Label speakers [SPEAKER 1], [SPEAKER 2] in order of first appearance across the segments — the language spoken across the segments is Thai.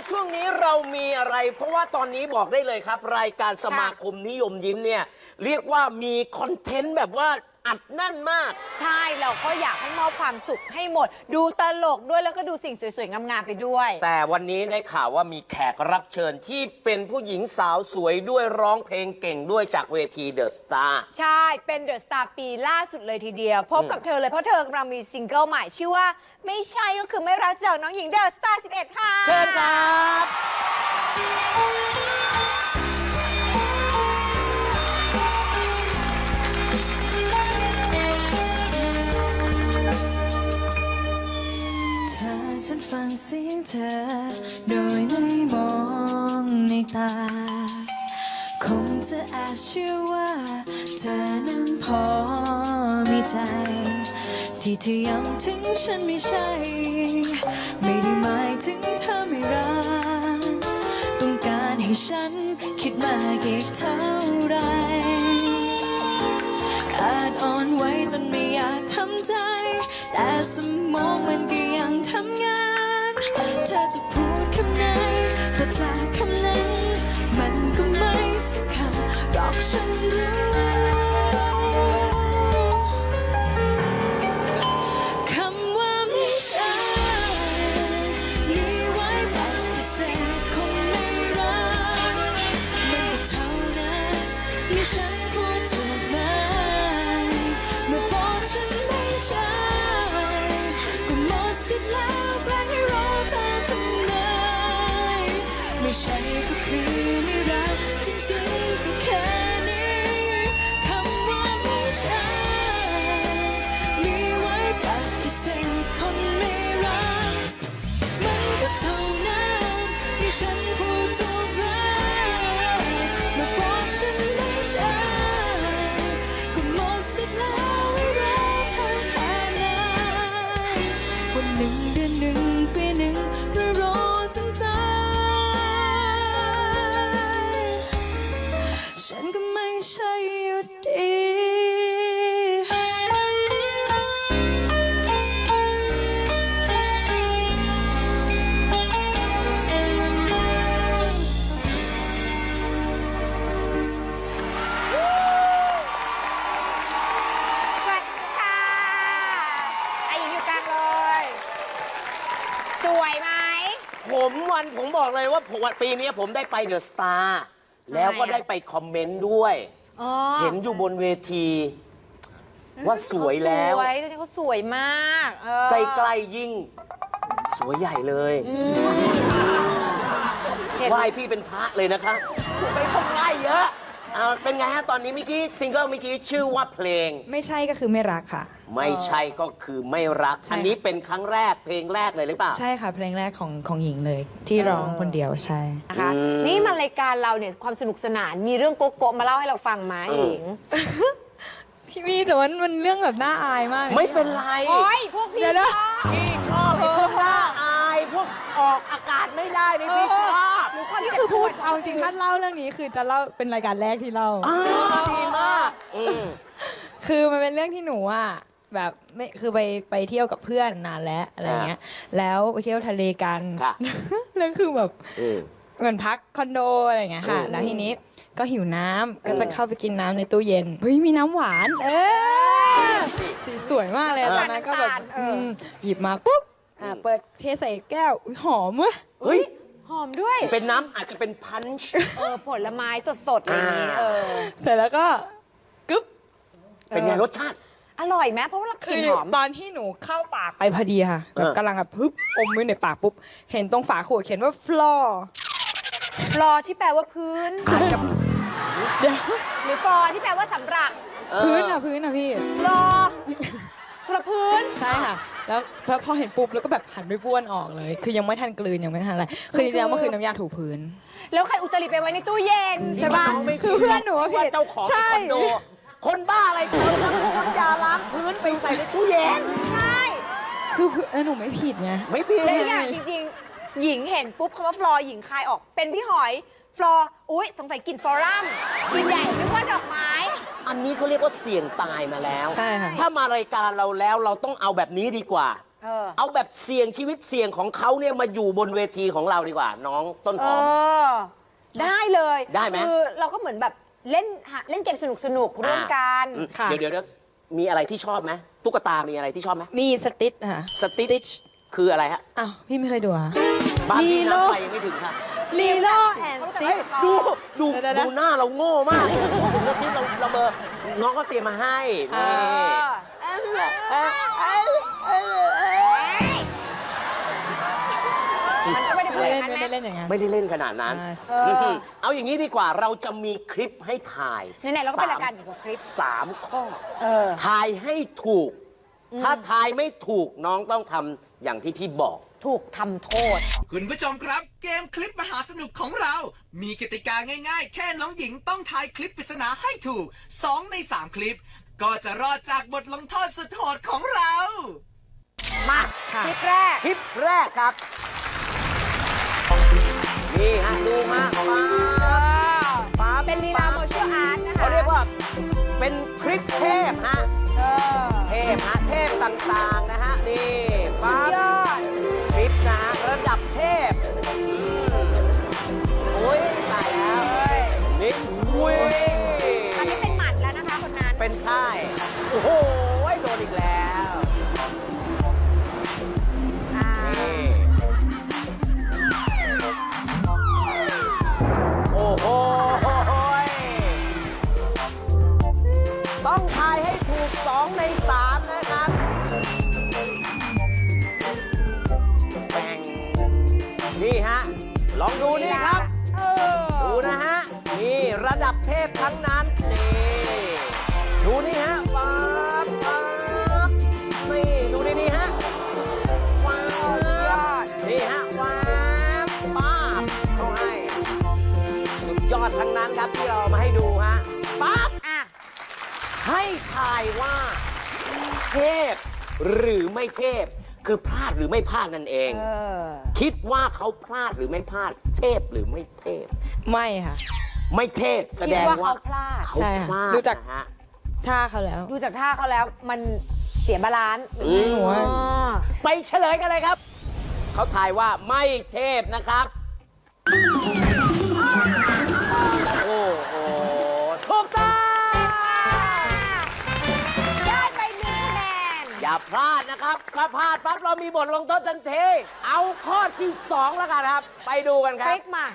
[SPEAKER 1] ช่วงนี้เรามีอะไร เพราะว่าตอนนี้บอกได้เลยครับ รายการสมาคมนิยมยิ้มเนี่ยเรียกว่ามีคอนเทนต์แบบว่าอัดแน่นมาก
[SPEAKER 2] ใช่เราก็อยากให้มอบความสุขให้หมด ดูตลกด้วยแล้วก็ดูสิ่งสวยๆงามๆไปด้วย
[SPEAKER 1] แต่วันนี้ได้ข่าวว่ามีแขกรับเชิญที่เป็นผู้หญิงสาวสวยด้วยร้องเพลงเก่งด้วยจากเวทีเดอะสตาร์
[SPEAKER 2] ใช่ เป็นเดอะสตาร์ปีล่าสุดเลยทีเดียว พบกับเธอเลยเพราะเธอกำลังมีซิงเกิลใหม่ชื่อว่าไม่ใช่ก็คือไม่รักจากน้องหญิงเดอะสตาร์11 ค่ะ
[SPEAKER 1] เชิญครับ
[SPEAKER 3] ถ้าฉันฟังเสียงเธอโดยไม่มองในตา คงจะแอบเชื่อว่าเธอนั้นพอมีใจ ที่เธอย้ำถึงฉันไม่ใช่ ไม่ได้หมายถึงเธอไม่รัก ต้องการให้ฉันคิดมากอีกเท่าไร อาจอ่อนไหวจนไม่อยากทำใจ แต่สมองมันก็ยังทำงาน เธอจะพูดคำไหนแต่จากคำนั้นมันก็ไม่สำคัญหรอกฉันรู้คำว่าไม่ใช่มีไว้ปฏิเสธคนไม่รักมันก็เท่านั้นที่ฉันพูดถูกไหมเมื่อบอกฉันไม่ใช่ก็หมดสิทธิ์แล้วแปลให้รอเธอทำไมไม่ใช่ก็คือไม่รักจริงๆก็แค่นี้คำว่าไม่ใช่มีไว้ปฏิเสธคนไม่รักมันก็เท่านั้นที่ฉันพูดถูกแล้วเมื่อบอกฉันไม่ใช่ก็หมดสิทธิ์แล้วให้รอเธอแค่นั้นวันหนึ่งเดือนหนึ่งปีหนึ่งเพื่อรอจนตายฉันก็ไม่ใช่อยู่ดี
[SPEAKER 2] สวัสดีค่ะไอหญิงอยู่กลางเลย สวยไหม
[SPEAKER 1] ผมบอกเลยว่าปีนี้ผมได้ไปเดอะสตาร์แล้วก็ได้ไปคอมเมนต์ด้วย
[SPEAKER 2] อ๋อ
[SPEAKER 1] เห็นอยู่บนเวที ว่าสวยแล้ว
[SPEAKER 2] สวยจริงๆเขาสวยมาก
[SPEAKER 1] ใกล้ๆยิ่ง สวยใหญ่เลย
[SPEAKER 2] เห็น
[SPEAKER 1] ไหว้พี่เป็นพระเลยนะคะไปคนไหว้เยอะเป็นไงฮะตอนนี้เมื่อกี้ซิงเกิลเมื่อกี้ชื่อว่าเพลง
[SPEAKER 3] ไม่ใช่ก็คือไม่รักค่ะ
[SPEAKER 1] ไม่ใช่ก็คือไม่รัก
[SPEAKER 3] ใช่
[SPEAKER 1] อันนี้เป็นครั้งแรกเพลงแรกเลยหรือเปล่า
[SPEAKER 3] ใช่ค่ะเพลงแรกของหญิงเลย ที่ร้องคนเดียวใช่
[SPEAKER 2] นะคะ
[SPEAKER 1] อืม
[SPEAKER 2] นี่มารายการเราเนี่ยความสนุกสนานมีเรื่องโกะๆมาเล่าให้เราฟังไหมหญิง
[SPEAKER 3] พี่วีแต่ว่ามันเรื่องแบบน่าอายมาก
[SPEAKER 1] ไม่เป็นไร
[SPEAKER 2] โอ้ยพวกพี่
[SPEAKER 3] เดี๋ยวนะ
[SPEAKER 2] ชอบ
[SPEAKER 1] พี่ชอบไอ้พวกน่าอายพวกออกอากาศไม่ได้นี่พี่ชอบ
[SPEAKER 2] หรือความ
[SPEAKER 3] นี่
[SPEAKER 2] เจ็บ
[SPEAKER 3] คือ
[SPEAKER 2] ป
[SPEAKER 3] พู
[SPEAKER 2] ว
[SPEAKER 3] ด
[SPEAKER 2] ด
[SPEAKER 3] เอาจริงถ้าเล่าเรื่องนี้คือจะเล่าเป็นรายการแรกที่เล่า
[SPEAKER 1] ดีมากม
[SPEAKER 3] คือมันเป็นเรื่องที่หนูอ่ะแบบไม่คือไปเที่ยวกับเพื่อนนานแล้วอะไรเงี้ย แล้วไปเที่ยวทะเลกัน
[SPEAKER 1] ค่ะ
[SPEAKER 3] แล้วคือแบบ
[SPEAKER 1] อืม
[SPEAKER 3] เหมือนพักคอนโดอะไรอย่างเงี้ยค่ะ แล้วทีนี้ก็หิวน้ำก็จะเข้าไปกินน้ำในตู้เย็น เฮ้ยมีน้ำหวาน สีสวยมากเลยตอนนั้นก็แบบหยิบมาปุ๊บเปิดเทใส่แก้วอุ๊ยหอมเว้ย
[SPEAKER 1] เฮ้ย
[SPEAKER 2] หอมด้วย
[SPEAKER 1] เป็นน้ำอาจจะเป็นพันช์
[SPEAKER 2] ผลไม้สดๆอะไรอย่างนี้
[SPEAKER 3] เสร็จแล้วก็กึ๊บ
[SPEAKER 1] เป็นไงรสชาติ
[SPEAKER 2] อร่อยไหมเพราะว่าเราก
[SPEAKER 3] คื
[SPEAKER 2] ลิ่น
[SPEAKER 3] อ
[SPEAKER 2] หอม
[SPEAKER 3] ตอนที่หนูเข้าปากไปพอดีค่ะแบบ
[SPEAKER 1] เออ
[SPEAKER 3] กำลังแบบปึ๊บอมไว้ในปากปุ๊บ เห็นตรงฝาขวดเขียนว่า floor
[SPEAKER 2] ฟลอที่แปลว่าพื้น
[SPEAKER 3] เดี๋ยว
[SPEAKER 2] หรือฟลอที่แปลว่าสำหรับ
[SPEAKER 3] พื้นอ่ะพี่
[SPEAKER 2] ฟลอสำหรับพื้น
[SPEAKER 3] ใช่ค่ะ แล้วพอเห็นปุ๊บแล้วก็แบบหันไปบ้วนออกเลย คือยังไม่ทันกลืนยังไม่ทันอะไร คือจริงๆแล้วมันคือน้ำยาถูพื้น
[SPEAKER 2] แล้วใครอุตริไปไว้ในตู้เย็นใช่ปะ
[SPEAKER 3] คือเพื่อนหนูอะผิด
[SPEAKER 1] ว่าเจ้าของ
[SPEAKER 3] ใช่
[SPEAKER 1] คอนโด คนบ้าอะไรคนน้ำยาล้างพื้นไปใส่ในตู้เย็น
[SPEAKER 2] ใช่
[SPEAKER 3] คือหนูไม่ผิดไง
[SPEAKER 1] ไม่ผิด
[SPEAKER 2] แล้วอย่างจริงๆ หญิงเห็นปุ๊บคำว่าฟลอหญิงคายออกเป็นพี่หอย ฟลออุ๊ยสงสัยกลิ่นฟลอรัมกลิ่นใหญ่นึกว่าดอกไม้
[SPEAKER 1] อันนี้เขาเรียกว่าเสี่ยงตายมาแล้ว
[SPEAKER 3] ใช่ค่ะ
[SPEAKER 1] ถ้ามารายการเราแล้วเราต้องเอาแบบนี้ดีกว่าเอาแบบเสี่ยงชีวิตเสี่ยงของเขาเนี่ยมาอยู่บนเวทีของเราดีกว่า น้องต้นหอม
[SPEAKER 2] ได้เลย
[SPEAKER 1] ได้ไหม
[SPEAKER 2] คือเราก็เหมือนแบบเล่นเกมสนุกร่วมกัน
[SPEAKER 1] ค่ะ เดี๋ยวมีอะไรที่ชอบไหมตุ๊กตามีอะไรที่ชอบไหม
[SPEAKER 4] มีสติ๊ดค่ะ
[SPEAKER 1] สติ๊ชคืออะไรฮะ
[SPEAKER 4] อ้าว พี่ไม่เคยดูอ่ะ
[SPEAKER 1] บ้านพี่
[SPEAKER 4] ลีโล
[SPEAKER 1] น้ำไฟยังไม่ถึงค่ะ
[SPEAKER 4] ลีโลแอนสติ๊ด
[SPEAKER 1] ดูดู
[SPEAKER 4] เดี๋ยวๆ
[SPEAKER 1] ดูหน้าเราโง่มากสติ๊ชเราเบอร์น้องก็เตรียมมาให้นี่
[SPEAKER 2] มันก็ไม่ได้พูดอย่างนั้น
[SPEAKER 4] ไม่ได้
[SPEAKER 2] นะ
[SPEAKER 4] เล่นอย่างนั้น
[SPEAKER 1] ไม่ได้เล่นขนาดนั้น เอาอย่างนี้ดีกว่าเราจะมีคลิปให้ถ่าย
[SPEAKER 2] ไหนๆเราก็เป็นรายการเกี่ยวกับคลิป
[SPEAKER 1] 3 ข้อ
[SPEAKER 2] อ
[SPEAKER 1] ทายให้ถูก ถ้าทายไม่ถูกน้องต้องทำอย่างที่พี่บอก
[SPEAKER 2] ถูกทำโทษ
[SPEAKER 5] คุณผู้ชมครับ เกมคลิปมหาสนุกของเรา มีกติกาง่ายๆ แค่น้องหญิงต้องทายคลิปปริศนาให้ถูก 2 ใน 3 คลิป ก็จะรอดจากบทลงโทษสุดโหดของเรา
[SPEAKER 2] มา
[SPEAKER 4] ค่ะ
[SPEAKER 2] คลิปแรก
[SPEAKER 1] คลิปแรกครับ นี่ฮะดูมาฟ้า
[SPEAKER 2] เป็นลีลาโมชั่นอาร์ตนะคะ
[SPEAKER 1] เขาเรียกว่าเป็นคลิปเทพฮะ เทพฮะเทพต่างๆนะฮะนี่ฟ้า
[SPEAKER 2] ยอด
[SPEAKER 1] คลิปนะฮะระดับเทพโอ้ยตายแล้วนี่อุ้ย
[SPEAKER 2] อันนี้เป็นหมัดแล้วนะคะคนนั้น
[SPEAKER 1] เป็นค่ายโอ้โหโดนอีกแล้ว
[SPEAKER 2] อ่า
[SPEAKER 1] นี่โอ้โหต้องทายให้ถูก2 ใน 3 นะครับแบ่งนี่ฮะ ลองดูนี่ครับ ดูนะฮะ นี่ระดับเทพทั้งนั้น นี่ ดูนี่ฮะป๊าบป๊าบนี่ดูนี่ฮะว้าวนี่ฮะว้าวป๊าบเขาให้สุดยอดทั้งนั้นครับที่เราเอามาให้ดูฮะป๊าบ
[SPEAKER 2] อ่ะ
[SPEAKER 1] ให้ทายว่าเทพหรือไม่เทพ คือพลาดหรือไม่พลาดนั่นเอง คิดว่าเขาพลาดหรือไม่พลาด เทพหรือไม่เทพ
[SPEAKER 4] ไม่ค่ะ
[SPEAKER 1] ไม่เทพแสดงว่า
[SPEAKER 2] คิดว่าเขาพลาด
[SPEAKER 1] เขา
[SPEAKER 4] ใช่
[SPEAKER 1] พ
[SPEAKER 4] ค่ะ
[SPEAKER 1] ลาด
[SPEAKER 4] ดูจาก
[SPEAKER 1] นะฮะ
[SPEAKER 4] ท่าเขาแล้ว
[SPEAKER 2] ดูจากท่าเขาแล้วมันเสียบาลานซ์
[SPEAKER 1] อืม
[SPEAKER 4] หัว
[SPEAKER 1] ไปเฉลยกันเลยครับ เขาทายว่าไม่เทพนะครับ โอ้โหถูกต้อง
[SPEAKER 2] ได้ไป1 คะแนน
[SPEAKER 1] อย่าพลาดนะครับถ้าพลาดปั๊บเรามีบทลงโทษทันที เอาข้อที่ 2 แล้วกันครับ ไปดูกันค
[SPEAKER 2] ครับ ลิกมา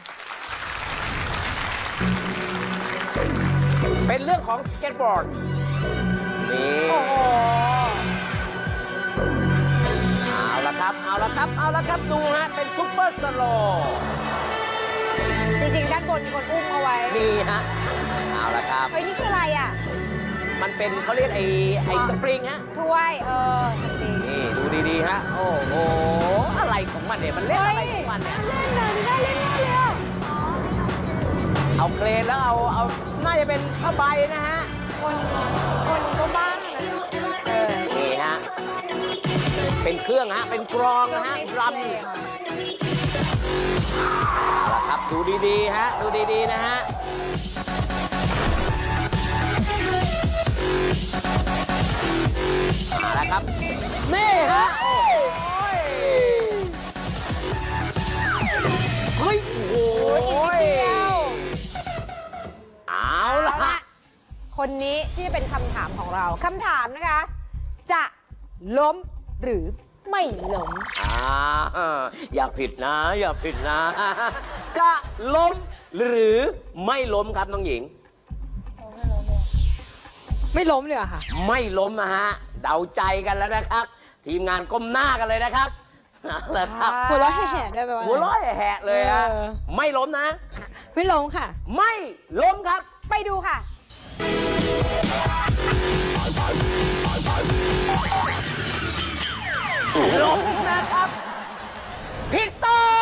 [SPEAKER 1] เป็นเรื่องของสเก็ตบอร์ด นี่
[SPEAKER 2] โอ้โห
[SPEAKER 1] เอาละครับ เอาละครับ เอาละครับ ดูฮะ เป็นซุปเปอร์สโลว์
[SPEAKER 2] จริงๆด้านบนมีคนอุ้มเอาไว้
[SPEAKER 1] นี่ฮะ เอาละครับ
[SPEAKER 2] เฮ้ยนี่คืออะไรอ่ะ
[SPEAKER 1] มันเป็นเขาเรียกไอ้สปริงฮะ
[SPEAKER 2] ถ้วย จริง
[SPEAKER 1] นี่ดูดีๆฮะ โอ้โห อะไรของมันเนี่ย มันเล่นอะไรของมันเนี่ย
[SPEAKER 2] เล่นเลยไม่ได้เล่นแน่เลยอ่ะ
[SPEAKER 1] เอาเครนแล้วเอาน่าจะเป็นผ้าใบนะฮะ
[SPEAKER 2] คนก็บ้างนะ
[SPEAKER 1] นี่ฮะ เป็นเครื่องฮะ เป็นกรองนะฮะดรัมเอาละครับ ดูดีๆฮะ ดูดีๆนะฮะ เอาละครับ นี่ฮะ โอ้ยเฮ้ย โอ้ยเอาละ
[SPEAKER 2] คนนี้ที่จะเป็นคำถามของเรา คำถามนะคะ จะล้มหรือไม่ล้ม
[SPEAKER 1] อย่าผิดนะ อย่าผิดนะ จะล้มหรือไม่ล้มครับน้องหญิง
[SPEAKER 4] ไม่ล้มเลยเหรอค่ะ
[SPEAKER 1] ไม่ล้มนะฮะ เดาใจกันแล้วนะครับ ทีมงานก้มหน้ากันเลยนะครับเอาละครับ
[SPEAKER 4] หัวเราะแห่ๆได้ไหมวะ
[SPEAKER 1] หัวเร้อยแหะเลยฮะ ไม่ล้มนะ
[SPEAKER 4] ไม่ล้มค่ะ
[SPEAKER 1] ไม่ล้มครับ
[SPEAKER 2] ไปดูค่ะ
[SPEAKER 1] ล้มนะครับ ผิดต้อง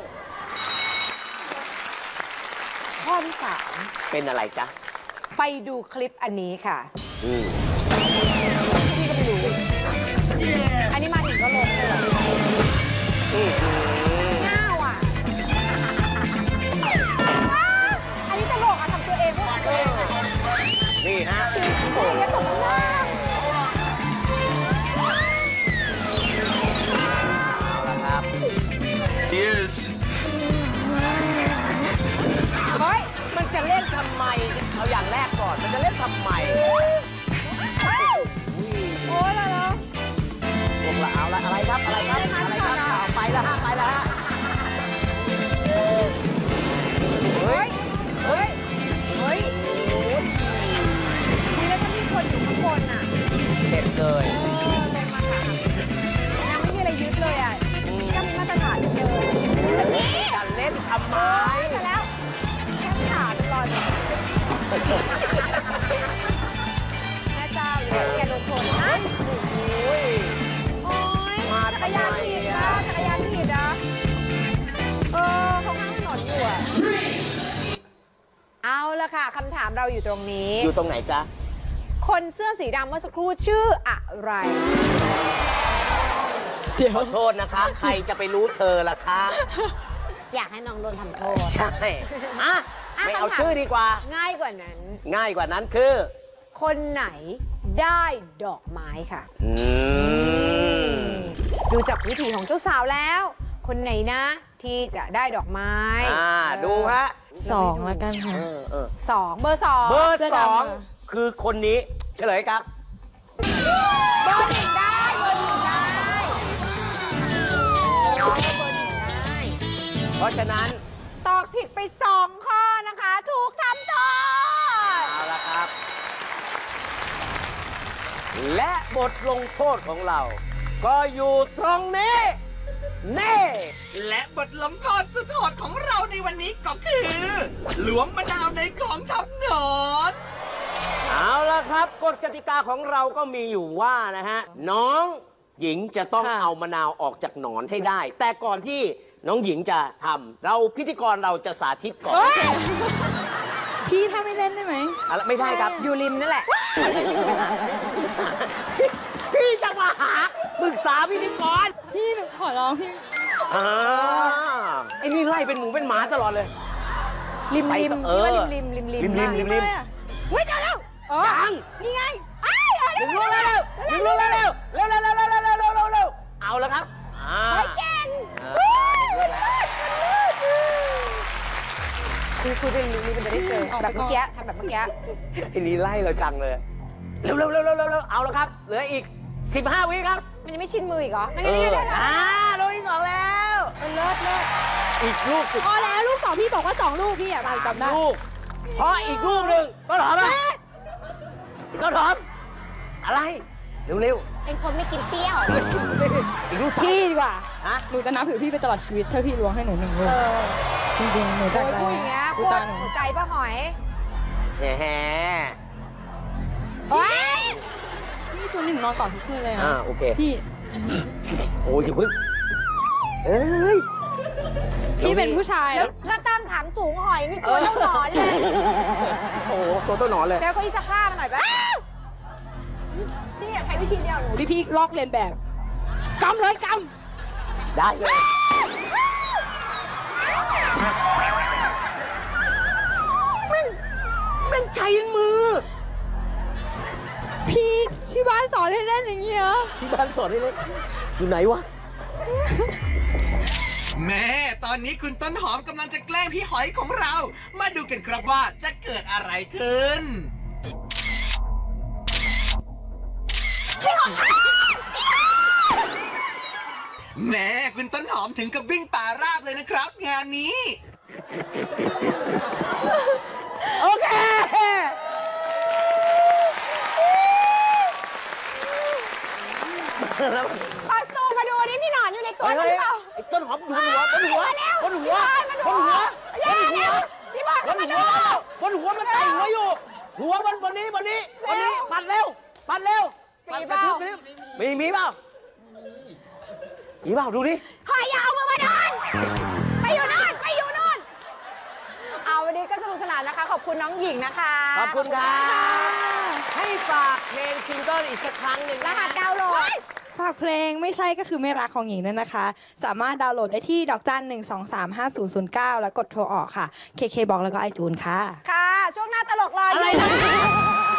[SPEAKER 2] ข้อที่
[SPEAKER 1] เป็นอะไรจ๊ะ
[SPEAKER 2] 3 ไปดูคลิปอันนี้ค่ะ
[SPEAKER 1] อืม
[SPEAKER 2] พี่ก็ไม่รู้ อันนี้มาถึงก็ล้มเลยเหรอ ง่าวอ่ะอันนี้ตลกอ่ะทำตัวเองพวกตัวเองอ่ะ
[SPEAKER 1] นี่ฮะ
[SPEAKER 2] โอ้ยตกหน้า
[SPEAKER 1] ดมันจะเล่นทำไม
[SPEAKER 2] โอ้ยแล้ว
[SPEAKER 1] พวกเราเอาละอะไรครับอะไรครับอะไรครับเอาไปแล้วฮะไปแล้วฮะเฮ้ยเฮ้ย
[SPEAKER 2] เฮ้ยนี่แล้วถ้ามีคนอยู่ข้างบนอ่ะ
[SPEAKER 1] เด็ดเลย
[SPEAKER 2] ลงมาค่ะยังไม่มีอะไรยึดเลยอ่ะก็มีมาตรฐานเหลือเกินนี่
[SPEAKER 1] จะเล่นทำไม
[SPEAKER 2] มาแล้วแค่ขาเป็นรอยแบบแม่เจ้าอย่าแกโดนชนนะ
[SPEAKER 1] โอ้ย
[SPEAKER 2] โอ๊ย
[SPEAKER 1] มา
[SPEAKER 2] จักรยานผิดนะจักรยานผิดนะเขาข้างถนนอยู่อ่ะเอาละค่ะคำถามเราอยู่ตรงนี้
[SPEAKER 1] อยู่ตรงไหนจ๊ะ
[SPEAKER 2] คนเสื้อสีดำเมื่อสักครู่ชื่ออะไร
[SPEAKER 1] ขอโทษนะคะ ใครจะไปรู้เธอล่ะคะ
[SPEAKER 2] อยากให้น้องโดนทำโทษ
[SPEAKER 1] ใช่อ่ะไม่เอาชื่อดีกว่า
[SPEAKER 2] ง่ายกว่านั้น
[SPEAKER 1] ง่ายกว่านั้นคือ
[SPEAKER 2] คนไหนได้ดอกไม้ค่ะ
[SPEAKER 1] อืม
[SPEAKER 2] ดูจากวิถีของเจ้าสาวแล้ว คนไหนนะ ที่จะได้ดอกไม้
[SPEAKER 1] ดูฮะ
[SPEAKER 4] 2แล้วกันค่ะ
[SPEAKER 2] สองเบอร์สอง
[SPEAKER 1] เบอร์
[SPEAKER 4] เสื้อ
[SPEAKER 1] ส
[SPEAKER 4] ดำ
[SPEAKER 1] อง
[SPEAKER 4] ค่ะ
[SPEAKER 1] คือคนนี้เฉลยครับ
[SPEAKER 2] เบอร์หนึ่งได้เบอร์หนึ่งได้เบอร์หนึ่งได้
[SPEAKER 1] เพราะฉะนั้น
[SPEAKER 2] ตอบผิดไป2 ข้อนะคะ ถูกทำโทษ
[SPEAKER 1] เอาละครับ และบทลงโทษของเรา ก็อยู่ตรงนี้นี่
[SPEAKER 5] และบทลงโทษสุดโหดของเราในวันนี้ก็คือหลวงมะนาวในของทับหนอน
[SPEAKER 1] เอาละครับกฎกติกาของเราก็มีอยู่ว่านะฮะ น้องหญิงจะต้อง
[SPEAKER 4] ค่ะ
[SPEAKER 1] เอามะนาวออกจากหนอนให้ได้ แต่ก่อนที่น้องหญิงจะทำเราพิธีกรเราจะสาธิตก่อน
[SPEAKER 4] พี่ถ้าไม่เล่นได้ไหม
[SPEAKER 1] อะไรไม่ได้ครับ
[SPEAKER 2] อยู่ริมนั่นแหละ
[SPEAKER 1] พี่จะมาหาปรึกษาพิธีกร
[SPEAKER 4] พี่หนูขอร้องพี่
[SPEAKER 1] ไอ้นี่ไล่เป็นหมูเป็นหมาตลอดเลย
[SPEAKER 2] ริม
[SPEAKER 1] ไป
[SPEAKER 2] ริม
[SPEAKER 1] ต่อ
[SPEAKER 2] นี่ว่าริมริมริมริม
[SPEAKER 1] ริม
[SPEAKER 2] นะ
[SPEAKER 1] ริมริม
[SPEAKER 2] เฮ้ยเจอแล้ว
[SPEAKER 1] ยัง
[SPEAKER 2] นี่ไงไอ้เอา
[SPEAKER 1] ดึ
[SPEAKER 2] เร็
[SPEAKER 1] ง
[SPEAKER 2] ว
[SPEAKER 1] ลูก
[SPEAKER 2] เร็
[SPEAKER 1] เร็
[SPEAKER 2] ว
[SPEAKER 1] วเร็วเร็วเร็วเร็วเร็วเร็วเร็วเร็วเร็วเอาแล้วครับ
[SPEAKER 2] เฮ้ยเก่ง คุยเป็นริมมันจะได้เจอแบบเมื่อกี้ทำแบบเมื่อกี้
[SPEAKER 1] ไอ้นี่ไล่เราจังเลย เร็วเร็วเร็วเร็วเร็วเอาแล้วครับ เหลืออีก 15 วิครับ
[SPEAKER 2] มันยังไม่ชินมืออีกเหรอนั่นนี่ได้แล้ว
[SPEAKER 1] ลูกที่สองแล้ว
[SPEAKER 2] เลิศเลิศ
[SPEAKER 1] อีกลูกสุด
[SPEAKER 4] พอแล้วลูก2พี่บอกว่า2ลูกพี่อ่ะจำได้
[SPEAKER 1] ลูกเพราะอีกลูกหนึ่งก็ถอมอ่ะก็ถอมอะไร เร็วเร็ว
[SPEAKER 2] เป็นคนไม่กินเปรี้ยว
[SPEAKER 1] อีกลูกสาม
[SPEAKER 4] พี่ดีกว่า
[SPEAKER 1] ฮะ
[SPEAKER 4] หนูจะนับถือพี่ไปตลอดชีวิตถ้าพี่ล้วงให้หนู1 ลูก จริงๆ หนู
[SPEAKER 2] โอ้
[SPEAKER 4] จาก
[SPEAKER 2] ย
[SPEAKER 4] ใจ
[SPEAKER 2] พูดอย่างเงี้ย
[SPEAKER 4] ดู
[SPEAKER 2] พูด
[SPEAKER 4] ตาหนู
[SPEAKER 2] หัวใจป้าหอย
[SPEAKER 1] แหม
[SPEAKER 2] โอ้ย
[SPEAKER 4] พี่ตัวนี้หนูนอนต่อทุกคืนเลยนะ
[SPEAKER 1] โอเค
[SPEAKER 4] พี่
[SPEAKER 1] โอ้ยอย่าเพิ่งเอ้ย
[SPEAKER 4] พี่เป็นผู้ชาย
[SPEAKER 2] แล้วตั้งถังสูงหอยนี่ตัวเท่าหนอนเลย
[SPEAKER 1] โอ้โหตัวต้นหนอนเลย
[SPEAKER 2] แล้วก็อีสักผ้ามาหน่อยปะพี่อยากใช้วิธีเดียวหนู
[SPEAKER 4] ที่พี่ลอกเลียนแบบกำเลยก
[SPEAKER 1] ได้เลย มันใช้มือ
[SPEAKER 4] ำพี่ที่บ้านสอนให้เล่นอย่างเงี้ย
[SPEAKER 1] ที่บ้านสอนให้เล่นอยู่ไหนวะ
[SPEAKER 5] แม่ตอนนี้คุณต้นหอมกำลังจะแกล้งพี่หอยของเรา มาดูกันครับว่าจะเกิดอะไรขึ้น แม่คุณต้นหอมถึงกับวิ่งป่าราบเลยนะครับ งานนี้
[SPEAKER 1] โอเค
[SPEAKER 2] ขอซูมมาดูนี่พี่หนอนอยู่ในตัวหรือเปล่า
[SPEAKER 1] ไอ้ต้นหอมอยู่บนหัวบนหัว
[SPEAKER 2] มาแล้ว
[SPEAKER 1] บนหัว
[SPEAKER 2] พี่
[SPEAKER 1] บบ น
[SPEAKER 2] อล
[SPEAKER 1] หัว
[SPEAKER 2] มาดูเร็วพี่บอล
[SPEAKER 1] บน
[SPEAKER 2] มา
[SPEAKER 1] หั
[SPEAKER 2] ดู
[SPEAKER 1] วบนหัวมันไต่หัวอยู่ หัวบนนี้บนนี้ปัดเร็วปัดเร็ว
[SPEAKER 2] มีเปล่า
[SPEAKER 1] มีเปล่ามีเปล่าดูดิ
[SPEAKER 2] หอยอยาวมือมาโดนไปอยู่นู่นไปอยู่นู่นเอาวันนี้ก็สนุกสนานนะคะ ขอบคุณน้องหญิงนะคะ
[SPEAKER 1] ขอบคุณครับ
[SPEAKER 2] ขอณ
[SPEAKER 1] ให้ฝากเพลงซิงเกิลอีกสักครั้งหนึ่ง
[SPEAKER 2] รหัสดาวน์โหลด
[SPEAKER 4] ฝากเพลงไม่ใช่ก็คือไม่รักของหญิงด้วยนะคะ สามารถดาวน์โหลดได้ที่1235009 แล้วกดโทรออกค่ะ KK บอกแล้วก็ไอจูนค่ะ
[SPEAKER 2] ค่ะ ช่วงหน้าตลกรออ
[SPEAKER 1] อะไร
[SPEAKER 2] ยู่
[SPEAKER 1] นะ